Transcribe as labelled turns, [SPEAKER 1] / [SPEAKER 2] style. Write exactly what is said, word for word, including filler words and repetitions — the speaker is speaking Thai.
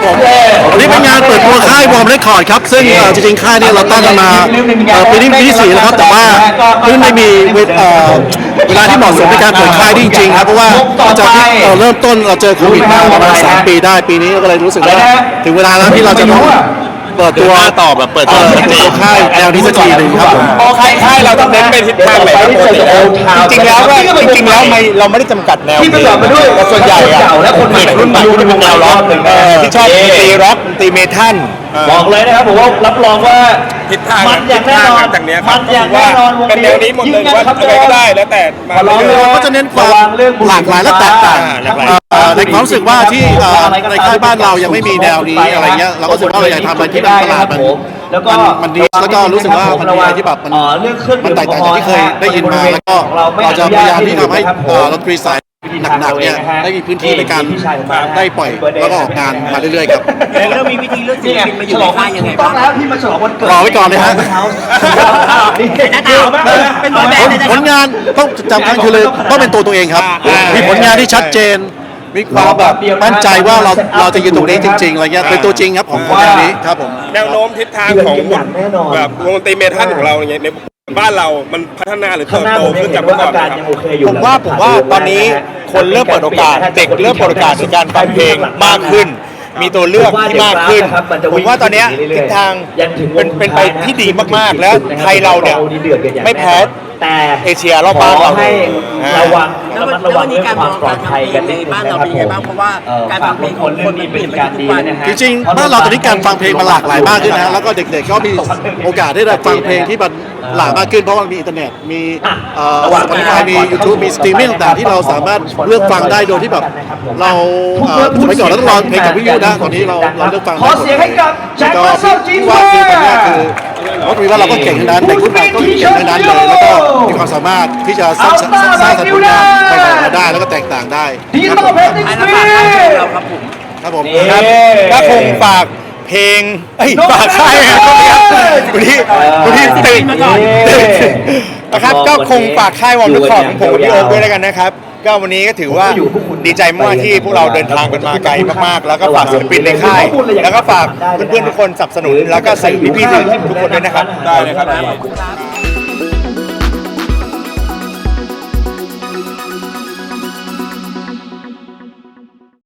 [SPEAKER 1] ผมวันนี้เป็นงานเปิดตัวค่ายวอร์มเรคคอร์ดครับซึ่งจริงๆค่ายนี้เราตั้งกันมาปีนี้ปีที่สี่แล้วครับแต่ว่าเพิ่งไม่มีเวลาที่เหมาะสมในการเปิดค่ายจริงๆครับเพราะว่าจากที่เราเริ่มต้นเราเจอโควิดมาประมาณสามปีได้ปีนี้ก็เลยรู้สึกว่าถึงเวลาแล้วที่เราจะต้องเปิดตัวต่อแบบเปิดตัวค่ายแนวนี้สักทีหนึ่งครับผม
[SPEAKER 2] พอค่ายค่ายเราต้องเน้นไปทิศทางไหนครับจริงๆแล้วก็จริงๆแล้วไม่เราไม่ได้จำกัดแนวเพลงแต่ส่วนใหญ่อะเด็กรุ่นใหม่ที่เป็นแนวร็อกที่ชอบดนตรีร็อกดนตรีเมทัล
[SPEAKER 3] บอกเลยนะครับผมว่ารับรองว่า
[SPEAKER 2] ทิศทาง
[SPEAKER 3] มันอย่างแน่นอน
[SPEAKER 2] จากนี้ค
[SPEAKER 3] มั
[SPEAKER 2] รับ
[SPEAKER 3] นอย่างแน่นอนวง
[SPEAKER 2] เป็นแนวนี้หมดเลยว่าอะไรก็ได้แล้วแต่มาเรื่อย
[SPEAKER 1] เราก็จะเน้นความหลากหลายและแตกต่างในความรู้สึกว่าที่ในค่ายบ้านเรายังไม่มีแนวนี้อะไรเงี้ยเราก็รู้สึกว่าเราอยากทำอะไรที่มันประหลาดมัน
[SPEAKER 3] แล้วก็
[SPEAKER 1] มันดีแล้วก็รู้สึกว่ามันมีอะไรที่แบบมันมันแตกต่างจากที่เคยได้ยินมาแล้วก็เราจะพยายามที่ทำให้ดนตรีสายหนักๆเนี่ยได้มีพื้นที่ในการได้ปล่อยแล้วก็ออกงานมาเรื่อยๆครับ
[SPEAKER 4] แล้วมีวิธีเลือกศิลปินมาอยู่ในค่ายยังไง
[SPEAKER 3] ต้อ
[SPEAKER 4] บ้าง ง
[SPEAKER 3] แล้วที่มาฉลองวันเกิด
[SPEAKER 1] รอไว้ก่อนเลยฮะ
[SPEAKER 4] หน้าตาเป็นบอยแบนด์เลยนะ
[SPEAKER 1] ผลงานต้องจำคัญคือเลยต้องเป็นตัวตัวเองครับมีผลงานที่ชัดเจนมีความแบบมั่นใจว่าเราเราจะยืนตรงนี้จริงๆอะไรเงี้ยเป็นตัวจริงครับของงานนี้ครับผม
[SPEAKER 2] ๆแนวโน้มทิศทางของแบบวงดนตรีเมทัลของเราอย่างเงี้ยในบ้านเรามันพัฒนาหรือเติบโตขึ้นจากเมื่อก่อนครับ
[SPEAKER 5] ผมว่าผมว่าตอนนี้คนเริ่มเปิดโอกาสเด็กเริ่มเปิดโอกาสในการฟังเพลงมากขึ้น มีตัวเลือกที่มากขึ้นผมว่าตอนนี้ทิศทางเป็นเป็นไปที่ดีมากๆแล้วไทยเราเนี่ยไม่แพ้
[SPEAKER 3] แต่
[SPEAKER 5] เอเชียรอบบ้านเรา
[SPEAKER 3] ให้ระวัง
[SPEAKER 4] แล้ว
[SPEAKER 3] ระมัด
[SPEAKER 4] แล้
[SPEAKER 3] ระ
[SPEAKER 4] ว
[SPEAKER 3] วั
[SPEAKER 4] วั
[SPEAKER 3] ง
[SPEAKER 4] นนี้
[SPEAKER 3] เรื่อง
[SPEAKER 4] การ
[SPEAKER 3] ความปลอดภัยกัน
[SPEAKER 4] ในบ้านเราเป็นยังไงบ้างเพราะว่าการฟังเพลงของคนมันเปลี่ยนไปทุกวันนะฮะ
[SPEAKER 1] จริงๆบ้านเราตอนนี้การฟังเพลงมันหลากหลายมากขึ้นนะแล้วก็เด็กๆก็มีโอกาสได้ฟังเพลงที่มันหลากมากขึ้นเพราะว่ามีอินเทอร์เน็ตมีเอ่อ Spotify มี YouTube มีสตรีมมิ่งต่างๆที่เราสามารถเลือกฟังได้โดยที่แบบเราเอ่อสมัยก่อนเราต้องรอเพลงจากวิทยุนะตอนนี้เราเราเลือกฟัง
[SPEAKER 3] ขอเสียงให้กับแจ็ค
[SPEAKER 1] ก็
[SPEAKER 3] มาเซอร์จี
[SPEAKER 1] ว่า
[SPEAKER 3] ว่า
[SPEAKER 1] คือตอนนี้คือว่าคือว่าเราก็เก่งทั้งนั้นเด็กรุ่นใหม่ก็เก่งทั้งนั้นเลยแล้วก็มีความสามารถที่จะสร้างสรรค์สร้างสรรค์ผลงานไปๆมาได้แล้วก็แตกต่างได้
[SPEAKER 3] ดิจิ
[SPEAKER 1] ครับ
[SPEAKER 3] ตอ
[SPEAKER 1] ผ
[SPEAKER 3] ล
[SPEAKER 1] ม
[SPEAKER 3] เพลง
[SPEAKER 4] อัน
[SPEAKER 3] ส
[SPEAKER 4] นั้น
[SPEAKER 3] ตรี
[SPEAKER 4] ฝากค่ายเราครับผม
[SPEAKER 1] ครับผม
[SPEAKER 5] ครับก็คงฝากเพลงเอ้ยฝากค่ายนะครับวันนี้วันนี้ตื่นนะครับก็คงฝากค่ายวอร์มเรคคอร์ดของผมกับพี่โอ๊คด้วยแล้วกันนะครับก็วันนี้ก็ถือว่าดีใจมากที่พวกเราเดินทางกันมาไกลมากๆแล้วก็ฝากศิลปินในค่ายแล้วก็ฝากเพื่อนๆทุกคนสนับสนุนแล้วก็สื่อพี่ๆทุกคนด้วยนะครับ
[SPEAKER 2] ได้เลยครับ
[SPEAKER 4] ขอบคุณครับ